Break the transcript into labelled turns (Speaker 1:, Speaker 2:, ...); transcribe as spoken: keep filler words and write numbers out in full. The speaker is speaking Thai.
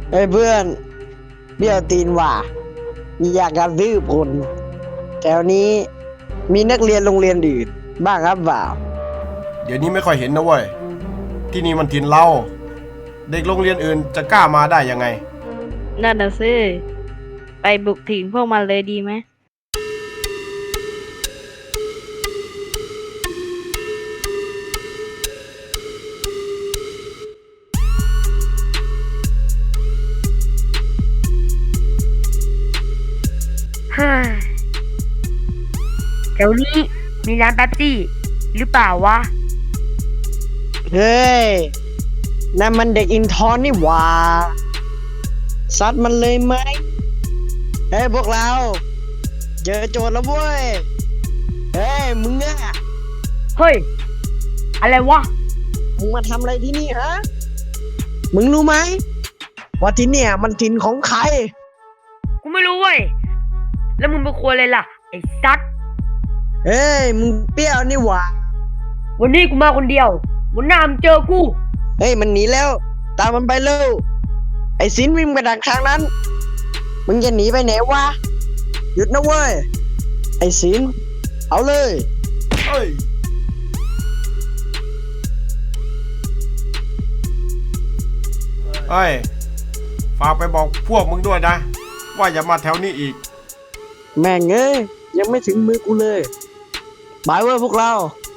Speaker 1: เฮ้ยเพื่อนเบี้ยวตีนว่ะอยากกระซื้อผลแถวนี้มีนักเรียนโรงเรียนอื่นบ้างครับเปล่า
Speaker 2: เดี๋ยวนี้ไม่ค่อยเห็นนะเว้ยที่นี่มันถิ่นเราเด็กโรงเรียนอื่นจะกล้ามาได้ยังไง
Speaker 3: นั่นน่ะสิไปบุกถิ่นพวกมันเลยดีไหม
Speaker 4: เฮ้ยแถวนี้มีร้านแป๊บซี่หรือเปล่าวะ
Speaker 1: เฮ้ยนั่นมันเด็กอินทอนนี่หว่าซัดมันเลยไหมเฮ้ยพวกเราเจอโจรแล้วเว้ยเฮ้ยมึงอะ
Speaker 4: เฮ้ย อะไรวะ
Speaker 1: มึงมาทำอะไรที่นี่ฮะมึงรู้ไหมว่าที่เนี่ยมันถิ่นของใคร
Speaker 4: กูไม่รู้เว้ย แล้วมึงเป็นคนอะไรล่ะ ไอ้ซัด
Speaker 1: เฮ้ยมึงเปรี้ยวนี่หว่า
Speaker 4: วันนี้กูมาคนเดียว วันหน้ามึงเจอกู
Speaker 1: เฮ้ยมันหนีแล้ว ตามมันไปเร็วไอ้สินวิ่งไปดักทางนั้นมึงจะหนีไปไหนวะหยุดนะเว้ยไอ้สินเอาเลย
Speaker 2: เฮ้ยเฮ้ยฝากไปบอกพวกมึงด้วยนะว่าอย่ามาแถวนี้อีก
Speaker 1: แม่งเอ้ยยังไม่ถึงมือกูเลยบายเว้ยพวกเรา